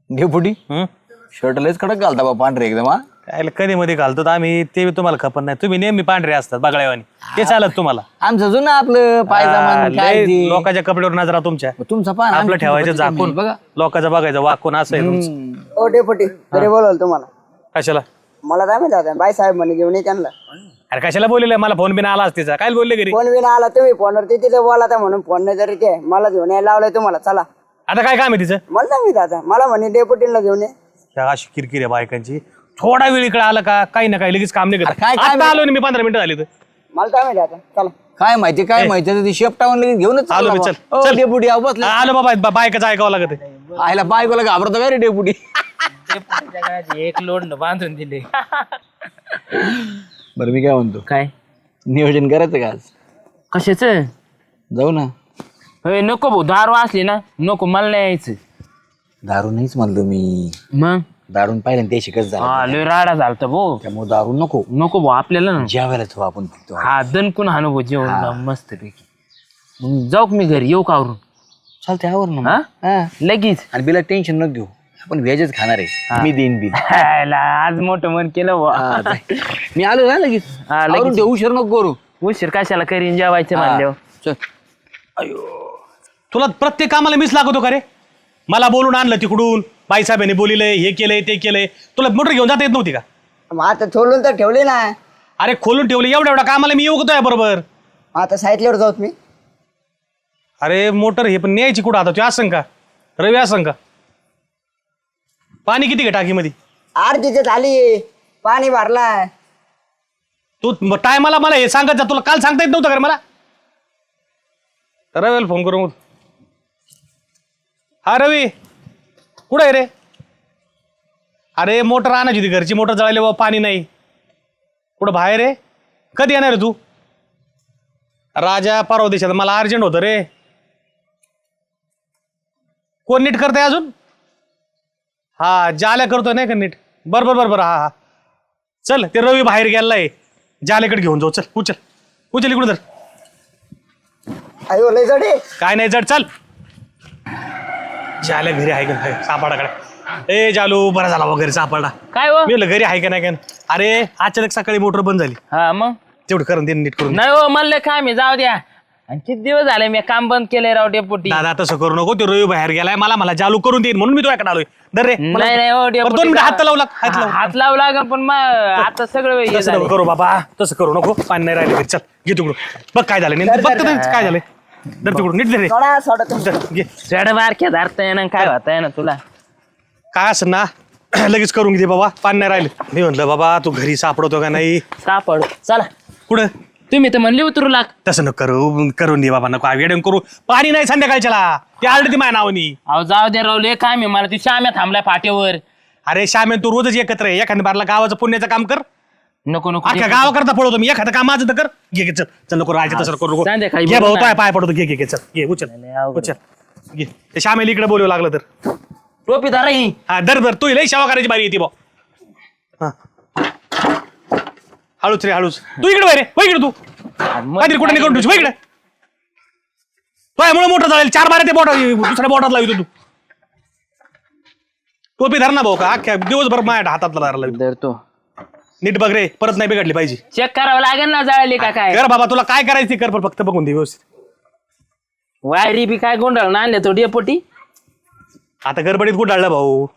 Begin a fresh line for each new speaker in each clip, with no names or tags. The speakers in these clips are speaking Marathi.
डेपुटी शर्ट लयच कडक घालता बा पांढरे एकदम. हा
काय कधी मध्ये घालतो आम्ही ते तुम्हाला खबर नाही. तुम्ही नेहमी पांढरे असतात बगळ्यावानी ते चालत तुम्हाला.
आमचं जुनं आपलं पायजामा काय ते.
लोकांच्या कपड्यावर नजरा तुमच्या.
तुमचा पान
आपलं ठेवायचं झाकून
बघा.
लोकांचं बघायचं वाकून असं आहे तुमचं.
ओ डेपुटी घरी बोलवलं तुम्हाला.
कशाला
मला काय माहिती आता बाई साहेब म्हणे घेऊन ये त्यांना.
अरे कशाला बोलले मला फोन बिन आला असतीचा काय बोलले घरी.
फोन बिन आला तुम्ही फोनवर तिथे बोला म्हणून फोन नाही तरी ते मला घेऊन यायला लावलंय तुम्हाला. चला
आता काय काम आहे तिचं.
मला नाही माहिती आता. मला म्हणे डेपुटीला घेऊन ये.
त्या अशी किरकिर आहे बायकांची. थोडा वेळ इकडे आला का काही ना काही लगेच काम नाही करत.
काय
आता आलो ना मी 15 मिनिटं झाली तर.
मला काय माहिती आता. चला
काय माहिती काय माहिती ती शेपटावून लगेच घेऊनच
आलो मी,
चालला
चल,
बा. ओ,
चल.
डेपुटी आहो बसले.
आलो बाबा बायकाचं ऐकावं लागत आहे.
आयला बायकोला घाबरतो काय रे डेपुटी.
एक लोड बांधून दिले.
बरं मी काय म्हणतो
काय
नियोजन करायचं का आज.
कशाच
जाऊ ना.
नको भाऊ दारू असली ना नको मला नाही यायचं.
दारू नाहीच म्हणलो मी.
मग
दारून पाहिलं ते शिकत झालं
हा लय राडा झालता भाऊ.
त्यामुळे दारू नको.
नको भाऊ आपल्याला ना
जेवायला जाऊ आपण फक्त.
हा दणकून हाणू भाऊ जेवण मस्त पैकी. मग जाऊ का मी घरी येऊ का आवरून.
चालते आवर ना
हा?
मग. हा.
लगेच
आणि बिला टेन्शन न घेऊ आपण व्हेजच खाणार आहे. मी देईन बिल.
हायला, आज मोठं मन केलं भाऊ.
हा, जाय. मी आलो ना लगेच.
हा, लगेच.
आवरून ठेव, उशीर नको करू.
उशीर कशाला करीन जेवायचं म्हणल्यावर.
चल.
तुला प्रत्येक कामाला मीच लागतो का रे. मला बोलून आणलं तिकडून बाईसाहेबांनी बोलिलंय हे केलंय ते केलंय. तुला मोटर घेऊन जाता येत नव्हती का.
मग आता सोडून तर ठेवले ना.
अरे खोलून ठेवले एवढ्या कामाला मी येऊ का बरोबर.
आता साईटल्यावर जाऊत मी.
अरे मोटर हे पण न्यायची कुठं आता तू असं का रवी असं का. पाणी किती घे टाकीमध्ये.
अर्धीच झाली पाणी भरलाय.
तू टायमाला मला हे सांगत जा. तुला काल सांगता येत नव्हतं का रे मला. रवीला फोन करू. हा रवी कुठं आहे रे. अरे मोटर आणायची होती घरची मोटर जळाली बाबा पाणी नाही. कुठं बाहेर आहे. कधी येणार रे तू. राजा परवा देशात मला अर्जंट होतं रे. कोण नीट करताय अजून. हा जाल्या करतोय नाही का नीट. बरोबर हा हा चल ते रवी बाहेर गेलाय. जाल्याकडे घेऊन जाऊ. चल उचल उचल इकडून तर.
अयो लय जडे.
काय नाही जड चल. जाल्या घरी आहे का सापाडाकडे. ए जालू बरा झाला वगैरे सापडला.
काय हो
मी म्हणलं घरी आहे का नाही का. अरे अचानक सकाळी मोटर बंद झाली.
हा मग
तेवढं करून दे नीट करून.
नाही हो म्हणलं काय मी जाऊ द्या. आणि किती दिवस झाले मी काम बंद केलंय राव डेपुटी.
दादा तसं करू नको. ते रवी बाहेर गेलाय मला जालू करून देईन म्हणून मी तुझ्याकडे आलोय. दर रे
नाही हो
बरं,
डेपुटी.
2 मिनिटं हात लावला हात लावला.
हात लावू लागेल पण मग आता सगळं हे
तसं
झालंय.
नको करू बाबा. तसं करू नको. पाणी नाही राहिलं घरी. चल घे तिकडून बघ काय झालं नेमकं. बघ तर काय झालंय. दर तिकडून नीट दे रे.
सोडा सोडा तुम्ही.
दर, घे.
चढ बारक्या धरता येणार काय होता येणार तुला.
काय असं ना लगेच करून घे बाबा. पाणी नाही राहिलं. मी म्हणलं बाबा तू घरी सापडतो का नाही.
सापड चला.
कुठं
तुम्ही तर म्हणले उतरू लाग.
तसं नको करून दे बाबा. नको वेडून करू. पाणी नाही संध्याकाळच्याला. ते आलं ती माझ्या नावानी.
अहो जाऊ दे रावले काय मी मला ती श्याम्या थांबलाय फाट्यावर.
अरे श्यामे तू रोजच एकत्र आहे. एखाद्या बारला गावाचं पुण्याचं काम कर.
नको नको
अख्ख्या गावाकरता पळवतो मी. एखादं काम माझं तर कर. घे चल चल नको राहायचं तसं करू नको.
संध्याकाळी
घे भाऊ
बोलू ना.
पाय पडतो. घे चल घे उचल उचल घे. ते श्यामेला इकडे बोलू लागलं तर.
टोपी धरा ही.
हा दर तू लई सेवा करायची बारी येते भाऊ. हळूच रे हळूच. तू इकडे बाहेर हो इकडे. तू काहीतरी कुठे निघून ठेवू इकडे. मुळे मोठं झालं 4 बारा ते बोट दुसऱ्या बोटात लावतो तू. टोपी धर ना भाऊ का अख्ख्या दिवसभर माझ्या हातात धरायला लावतो.
धरतो.
नीट बघ रे परत नाही बिघडली पाहिजे.
चेक करावं लागेल ना जळाली का काय.
कर बाबा तुला काय करायचं ते कर पण फक्त बघून दे व्यवस्थित.
वायरी बी काय गोंधळ ना आणले तो डेपोटी.
आता गडबडीत कुठं भाऊ.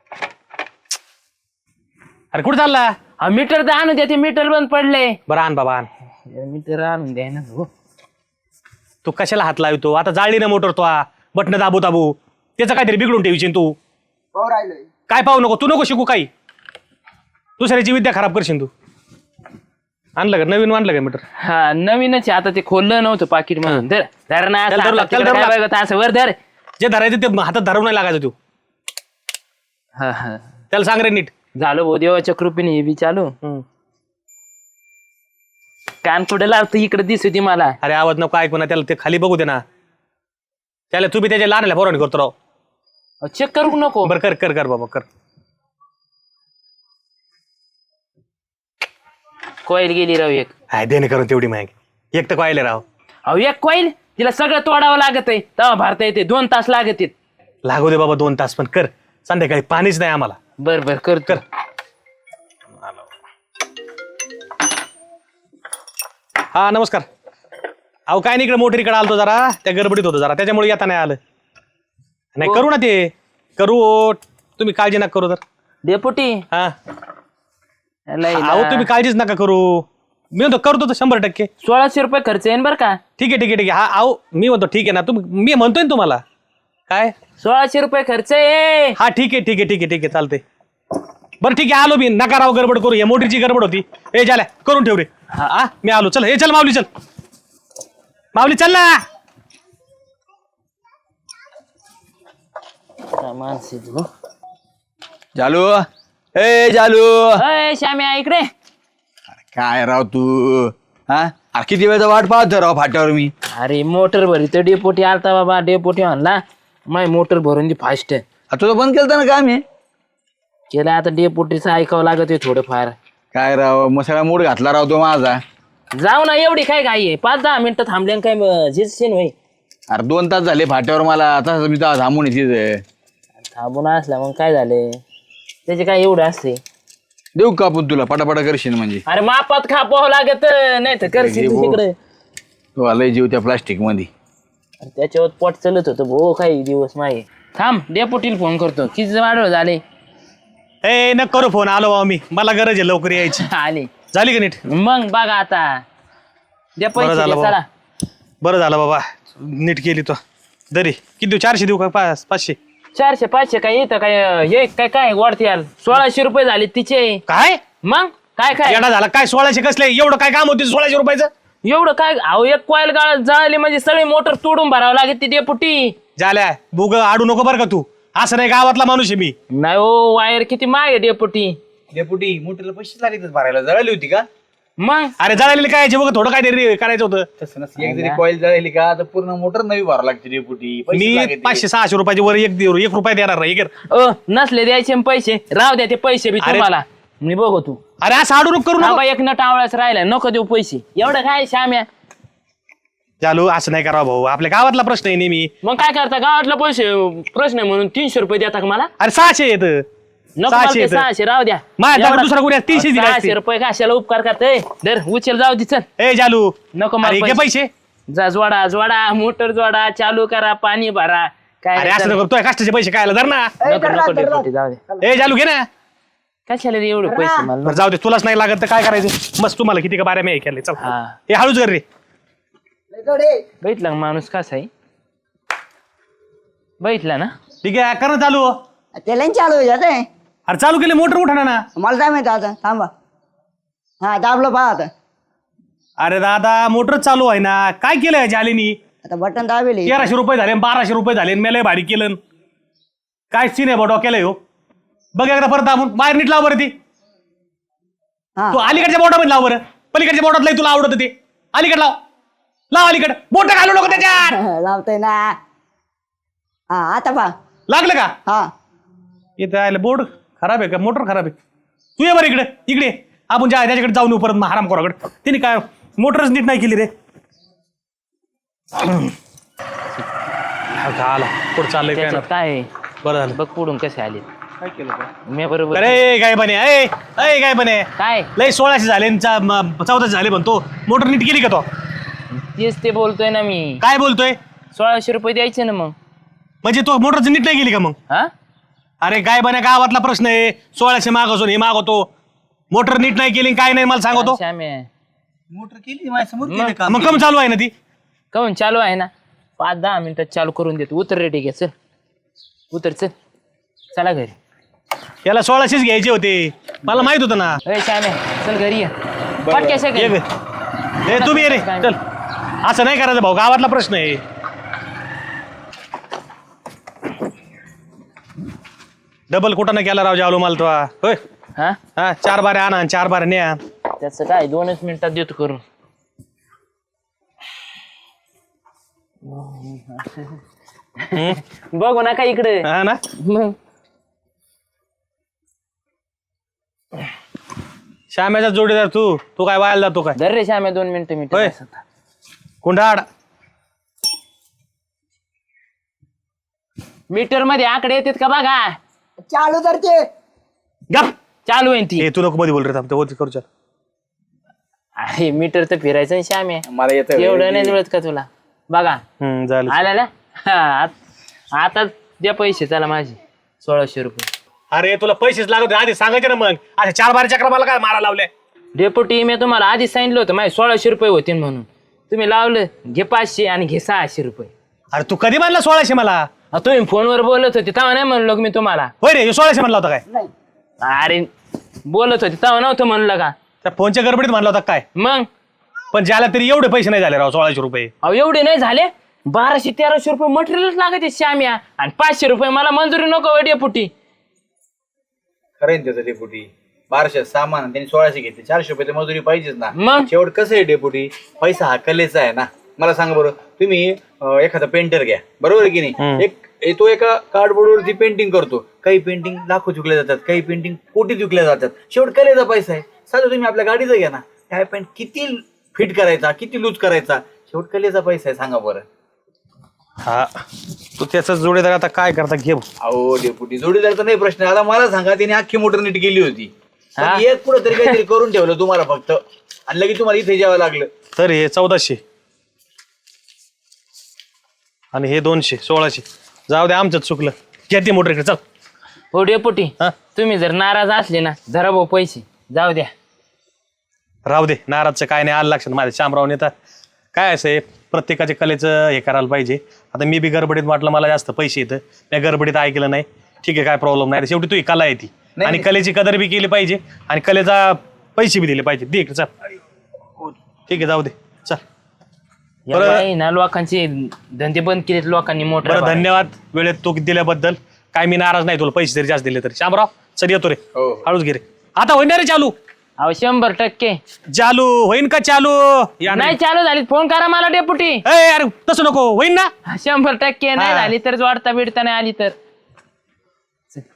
अरे कुठं चालला.
हा मीटर तर आणून द्या. ते मीटर बंद पडले.
बरं आण बाबा आण.
मीटर आणून द्या ना हो.
तू कशाला हात लावतो. आता जाळली ना मोटर तो बटन दाबू त्याचं काहीतरी बिघडून ठेवशील तू.
पाहू राहिलोय.
काय पाहू नको. तू नको शिकू काही. दुसऱ्याची विद्या खराब करशील तू. आणलं का नवीन आणलं का मीटर.
हा नवीनच आहे. आता ते खोललं नव्हतं पाकिट म्हणून. धर धर ना
चल, धरू लाग, चल, धरू लाग.
असं वर धर.
जे धरायचं ते हातात धरून नाही लागायचं तू.
हा हा
त्याला सांग रे नीट.
झालं भाऊ देवाच्या कृपेने हे बी चालू. कान पुढे लावतो इकडे दिसू ती मला.
अरे आवाज नको ऐकू ना. त्याला ते खाली बघू दे ना. त्याला तू बी त्याच्या लहानल्या पोरांनी करतो राव.
चेक करू नको.
बरं कर कर कर बाबा कर.
कॉईल गेली राव एक.
हाय देणे करून तेवढी माहिती. एक तर पाहिले राव.
अहो एक कॉईल तिला सगळं तोडावं लागत आहे तेव्हा भरता येते. 2 तास लागत आहेत.
लागू दे बाबा 2 तास पण कर. संध्याकाळी पाणीच नाही आम्हाला.
बर बर करतो.
हा नमस्कार. अहो काय नाही, इकडे मोटरीकडे आलतो जरा, त्या गडबडीत होतो जरा, त्याच्यामुळे येता नाही आलं. नाही करू ना ते करू, तुम्ही काळजी नका करू तर.
डेपुटी
हा
लय
अहो तुम्ही काळजीच नका करू, मी म्हणतो करतो तर 100%.
1600 रुपये खर्च येईन बर का.
ठीक आहे ठीक आहे ठीक आहे. हा अहो मी म्हणतो ठीक आहे ना, मी म्हणतोय ना तुम्हाला काय.
1600 रुपये खर्च आहे.
हा ठीक आहे ठीक आहे ठीक आहे ठीक आहे चालते. बरं ठीक आहे आलो मी, नका राव गडबड करू, या मोटरीची गडबड होती. ए झाल्या करून ठेव रे. हा मी आलो, चल. हे चल माऊली, चल माऊली चल ना.
माणसे तू.
जालू, ए जालू.
अय श्याम्या इकडे.
काय राव तू, हा अरे किती वेळचा वाट पाहतो राव फाट्यावर मी.
अरे मोटर भरी तर डेपोटी आलता बाबा. डेपोटी म्हणला माय मोटर भरून दे फास्ट.
तुझं बंद केलं ना काम हे.
केलं आता डेपोटीचं ऐकावं लागत आहे थोडंफार.
काय राव मग सगळा मूड घातला राव तो माझा.
जाऊ ना, एवढी काय घाई आहे? 5-10 मिनिटं थांबले काय झिजशीन होई.
अरे 2 तास झाले फाट्यावर मला, आता मी तर थांबून येते.
थांबून असला मग काय झाले, त्याचे काय एवढं असते.
देऊ का आपण तुला पटापटा करशील म्हणजे.
अरे मापात खापावं लागत, नाही तर करशील तू तिकडे.
तो लय जीव त्या प्लास्टिक मध्ये.
त्याच्यावर पोट चलत होतं भो काही दिवस मागे. थांब डेपोटीला फोन करतो, किती वाढव झाले.
ए न करू फोन, आलो बाबा मी, मला गरज आहे लवकर यायची.
आले
झाली का नीट.
मग बघा आता द्या
बरं
पैसे
झालं
द्या,
बाबा.
चला.
बरं झालं बाबा नीट केली तो. दरी किती देऊ, 400 देऊ का 500?
400-500 काय येतं काय, हे काय काय वाढते यार. 1600 रुपये झाले तिचे.
काय
मग काय काय
येडा झाला काय, 1600 कसले, एवढं काय काम होते 1600 रुपयाचं.
एवढं काय. अहो एक कॉईल गाळत जळाली म्हणजे सगळी मोटर तोडून भरावं लागेल ती डेपुटी.
झाल्या बुग आडू नको बरं का तू, असं नाही गावातला माणूस आहे मी.
नाही हो, वायर किती माग आहे डेपुटी.
डेपुटी मोठीला पैसे लागले भरायला, जळाली होती का.
मग
अरे जळालेली काय बघ, थोडं काय तरी करायचं होतं.
तसं नसतं, एक जरी कॉईल जळाली का तर पूर्ण मोटर नवी भरावं लागते डेपुटी.
मी 500-600 रुपयाची वर 1 रुपया देणार नाही.
नसले द्यायचे न पैसे, राहू द्या ते पैसे बी
अरे.
तुम्हाला. मी बघू तू.
अरे असं आडू नको करू
थांबा,
नका.
एक नट आवळाच राहिला, नको देऊ पैसे. एवढं काय श्याम्या.
चालू असं नाही करावं भाऊ, आपल्या गावातला प्रश्न आहे नेहमी.
मग काय करता, गावातला पैसे प्रश्न आहे म्हणून 300 रुपये देता का मला.
अरे 600 येत.
नको मला ते 600 राहू द्या.
माझ्या
एवढा-
दुसरा कोणी 300 दिले
600
असते.
रुपये कशाला उपकार करते. दर उचल, जाऊ दे चल.
ए जालू
नको मला
अरे घे पैसे.
जा जोडा जोडा, मोटर जोडा, चालू करा, पाणी भरा. काय
अरे असं नको, तुझ्या कष्टाचे पैसे खायला धर ना.
नको नको डेपुटी, जाऊ दे.
ए जालू घे ना.
कशाला रे एवढे पैसे मला.
बरं जाऊ दे, तुलाच नाही लागत तर काय करायचं. मस्त तुम्हाला किती का बाऱ्या मी केले. चल
हा.
हे हळूच कर रे.
बैठला का माणूस कसा आहे. बैठला ना.
ठीक आहे कर ना चालू.
त्याला चालू जाते.
अरे चालू केले मोटर उठा ना.
मला काय माहिती आता, थांबा. हा दाबलो पहा आता.
अरे दादा मोटर चालू आहे ना, काय केलंय जालीनी.
आता बटन दाबेल.
1300 रुपये झाले, 1200 रुपये झाले, मेले भाडी केलं. काय सीन आहे बा डोक्याला हो. बघ एकदा परत दाबून बाहेर नीट लाव बरं ती.
हा
तू अलीकडच्या बोटामध्ये लाव बरं, पलीकडच्या बोटात लई तुला आवडत ते. अलीकडे लाव, लाव अलीकडे, बोट घालू नको त्याच्यात.
लावतोय ना. हा आता पहा.
लागलं का.
हा
इथं आलं बोर्ड खराब आहे का, मोटर खराब आहे. तू ये बरं इकडे, इकडे आपण त्याच्याकडे जाऊन येऊ परत हराम खोराकडे. तिने काय मोटरच नीट नाही केली रे. आला पुढे चाललंय काय ना.
त्याच्यात काय आहे?
बरं झालं.
बघ पुढून कसे आले. काय केलं मी बरोबर.
अरे काय बने, अय काय बने,
काय
लय 1600 झाले 1400 झाले म्हणतो. मोटर नीट केली का तो.
तेच ते बोलतोय ना मी.
काय बोलतोय.
1600 रुपये द्यायचे ना मग.
म्हणजे तो मोटरचं नीट नाही केली का मग.
हा
अरे काय बने, गावातला प्रश्न आहे. 1600 मागवसून हे मागवतो. मोटर नीट नाही केली काय नाही मला सांगतो.
श्याम्या
मोटर केली माझ्यासमोर केलं काम.
मग कम चालू आहे ना ती.
काहून चालू आहे ना. 5-10 मिनिटात चालू करून देतो. उतर रे, ठीक आहे चल. उतर चल, चला घरी.
याला 1600 घ्यायचे होते, मला माहित होतं ना.
अरे श्याम्या चल घरी ये. पटक्याशा
ये
घरी.
ग. ए तुम्ही ये रे, चल. असं नाही करायचं भाऊ, गावातला प्रश्न आहे. डबल कुठं नाही केला राव जावलो मला तो. होय
हा
हा 4 बारे आणा 4 बारे न्या.
त्याचं काय 2च मिनिटात देतो करून. बघू नका इकडे.
हा ना.
मग
श्याम्याचा जोडीदार तू तू काय वायाला जातो काय.
धर रे श्याम्या 2 मिनिटं
होय. कुंडाड.
मीटर मध्ये आकडे येतात का बघा.
चालू तर ते
गप
चालू आहे ती
ए तू नको मध्ये बोल रे थांब ते करू चल.
अरे मीटर तर फिरायचं ना श्याम्या
मला येतं
एवढं नाही जुळत का तुला बघा
झालं
आला ना आता द्या पैसे चला माझे 1600 रुपये.
अरे तुला पैसेच लागत होते, आधी सांगायचे ना मग. अशा 4-12 चक्र मला काय मारा लावले.
डेप्युटी मी तुम्हाला आधी सांगितलं होतं माझे 1600 रुपये होतील म्हणून. तुम्ही लावलं घे 500 आणि घे 600 रुपये.
अरे तू कधी मानला 1600 मला?
तुम्ही फोनवर बोलत होते तेव्हा नाही म्हणलो का मी तुम्हाला.
होय रे 1600 म्हणला होता काय?
नाही
अरे बोलत होते तेव्हा नव्हतं म्हणलं का.
त्या फोनच्या गडबडीत म्हणला होता काय?
मग
पण ज्याला तरी एवढे पैसे नाही झाले राव 1600 रुपये.
अहो एवढे नाही झाले 1200-1300 रुपये मटेरियलच लागायचे श्याम्या आणि 500 रुपये मला मंजुरी नको डेपुटी.
खरं आहे ना त्याचं डेपुटी. 1200 सामान आणि त्यांनी 1600 घेतले. 400 रुपये तर मजुरी पाहिजेच ना.
मग
शेवट कसं आहे डेपुटी, पैसा हा कलेचा आहे ना. मला सांगा बरं, तुम्ही एखादा पेंटर घ्या, बरोबर आहे की नाही. तो एका कार्डबोर्डवरती पेंटिंग करतो. काही पेंटिंग लाखो विकल्या जातात, काही पेंटिंग कोटीत विकल्या जातात. शेवट कलेचा पैसा आहे. साधं तुम्ही आपल्या गाडीचं घ्या ना, काय पेंट किती फिट करायचा, किती लूज करायचा, शेवट कलेचा पैसा आहे. सांगा बरं.
हा तू त्याचा जोडीदार आता काय करता घे.
अहो डेपुटी, जोडीदारचा नाही प्रश्न. आता मला सांगा, त्याने अख्खी मोटर नीट केली होती. पण एक पुढे तरी काहीतरी करून ठेवलं तुम्हाला फक्त, आणि लगेच तुम्हाला इथे यावं लागलं.
तर हे 1400 आणि हे 200 1600. जाऊ दे आमचं चुकलं. घे ती मोटर इकडे चल.
हो डेपुटी
हा?
तुम्ही जर नाराज असले ना धरा भाऊ पैसे जाऊ द्या.
राहू दे नाराजचं काय नाही. आलं लक्षात माझ्या शामराव नेता काय असं आहे, प्रत्येकाच्या कलेचं हे करायला पाहिजे. आता मी बी गडबडीत वाटलं मला जास्त पैसे येतं, मी गडबडीत ऐकलं नाही. ठीक आहे काय प्रॉब्लेम नाही. शेवटी तू ही कला आहे ती, आणि कलेची कदर बी केली पाहिजे आणि कलेचा पैसे बी दिले पाहिजे. दे इकडे चल. ठीक आहे जाऊ दे चल.
या बाई ना लोकांचे धंदे बंद केलेत लोकांनी मोठं.
बरं धन्यवाद वेळेत तू दिल्याबद्दल. काय मी नाराज नाही, तुला पैसे जरी जास्त दिले तरी. शामराव चल येतो रे. हळूच घे रे. आता होईन रे चालू.
अहो 100%
चालू होईन का चालू? या
नाही चालू झाली फोन करा मला डेपुटी.
अरे तसं नको. होईन ना?
100% नाही झाली तर जोडता बिडता नाही आली तर